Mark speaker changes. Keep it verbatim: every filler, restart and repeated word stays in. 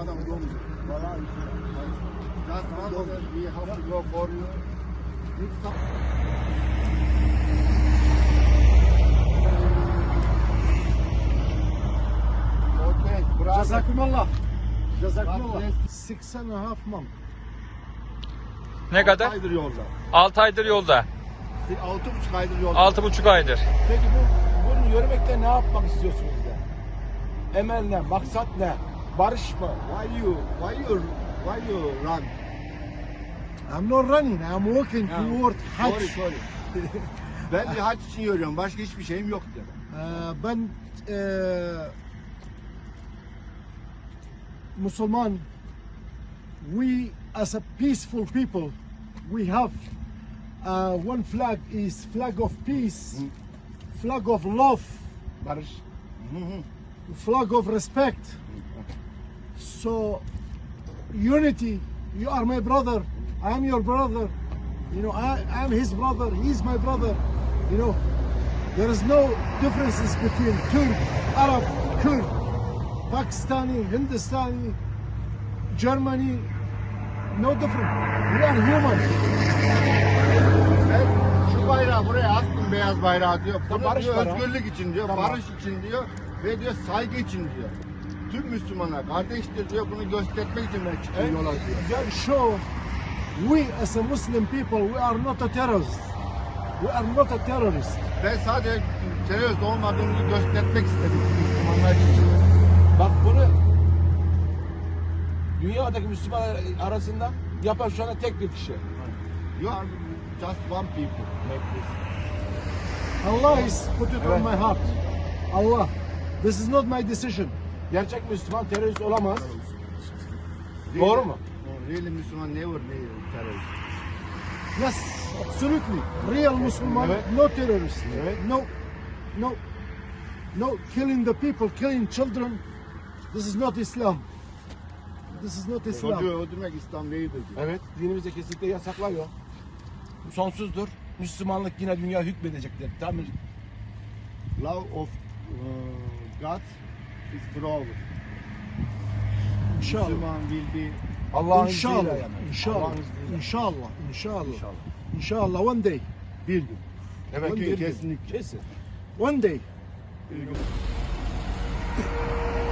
Speaker 1: adam domuz.
Speaker 2: Vallahi
Speaker 1: Just one that we have to go for you. Okay, brother.
Speaker 2: Cezakumullah.
Speaker 1: God
Speaker 2: Cezakumullah.
Speaker 1: bless.
Speaker 2: Six and a half month.
Speaker 3: Ne kadar?
Speaker 1: Aydır yolda.
Speaker 3: altı aydır yolda.
Speaker 1: Altı buçuk aydır yolda.
Speaker 3: altı buçuk aydır.
Speaker 2: Peki bu bunu yürümekte ne yapmak istiyorsunuz de? Emel ne? Maksat ne? Barış mı?
Speaker 1: Why you, why you, why you run?
Speaker 2: I'm not running. I'm walking
Speaker 1: Ha,
Speaker 2: toward Hajj.
Speaker 1: Sorry, sorry. Ben bir hac için yürüyorum. Başka hiçbir şeyim yok diyor.
Speaker 2: Ee, ben eee Müslüman, we as a peaceful people, we have uh, one flag is flag of peace,
Speaker 1: Hı.
Speaker 2: flag of love, barış,
Speaker 1: Hı hı.
Speaker 2: flag of respect. So unity, you are my brother, I am your brother, you know, I am his brother, he is my brother, you know, there is no differences between Turk, Arab, Kurd, Pakistani, Hindustani, Germany, no different. We are human.
Speaker 1: Ben şu bayrağı buraya astım, beyaz bayrağı diyor. Bunu
Speaker 2: barış
Speaker 1: diyor,
Speaker 2: bayrağı.
Speaker 1: özgürlük için diyor,
Speaker 2: Tamam.
Speaker 1: barış için diyor ve diyor saygı için diyor. Tüm Müslümanlar kardeştir diyor, bunu göstermek için ben çıktım yola diyor.
Speaker 2: Just show we as a Muslim people, we are not a terrorist. We are not a terrorist.
Speaker 1: Ben sadece terörist olmadığımızı göstermek istedim Müslümanlar için.
Speaker 2: Bak bunu dünyadaki Müslümanlar arasında yapan şu anda tek bir kişi.
Speaker 1: You are just one people.
Speaker 2: Allah is put it
Speaker 1: Evet.
Speaker 2: on my heart. Allah. This is not my decision. Gerçek Müslüman terörist olamaz. Doğru mu?
Speaker 1: Really Müslüman never be terörist.
Speaker 2: Yes, absolutely. Real Muslim,
Speaker 1: Evet.
Speaker 2: no terrorist.
Speaker 1: Evet.
Speaker 2: No, no, no killing the people, killing children. This is not Islam. This is not Islam.
Speaker 1: Çocuğu öldürmek İslam değildir diyor.
Speaker 2: Evet, dinimizde kesinlikle yasaklıyor. Bu sonsuzdur. Müslümanlık yine dünya hükmedecektir. Tamam.
Speaker 1: Love of uh, God is forever.
Speaker 2: İnşallah.
Speaker 1: Müslüman will be
Speaker 2: Allah'ın
Speaker 1: İnşallah.
Speaker 2: izniyle yani. İnşallah.
Speaker 1: Allah'ın izniyle.
Speaker 2: İnşallah. İnşallah.
Speaker 1: İnşallah.
Speaker 2: İnşallah. One day.
Speaker 1: bir gün.
Speaker 2: Evet,
Speaker 1: One
Speaker 2: bir
Speaker 1: day
Speaker 2: gün.
Speaker 1: kesinlikle.
Speaker 2: Kesin. One day.
Speaker 1: Bir gün.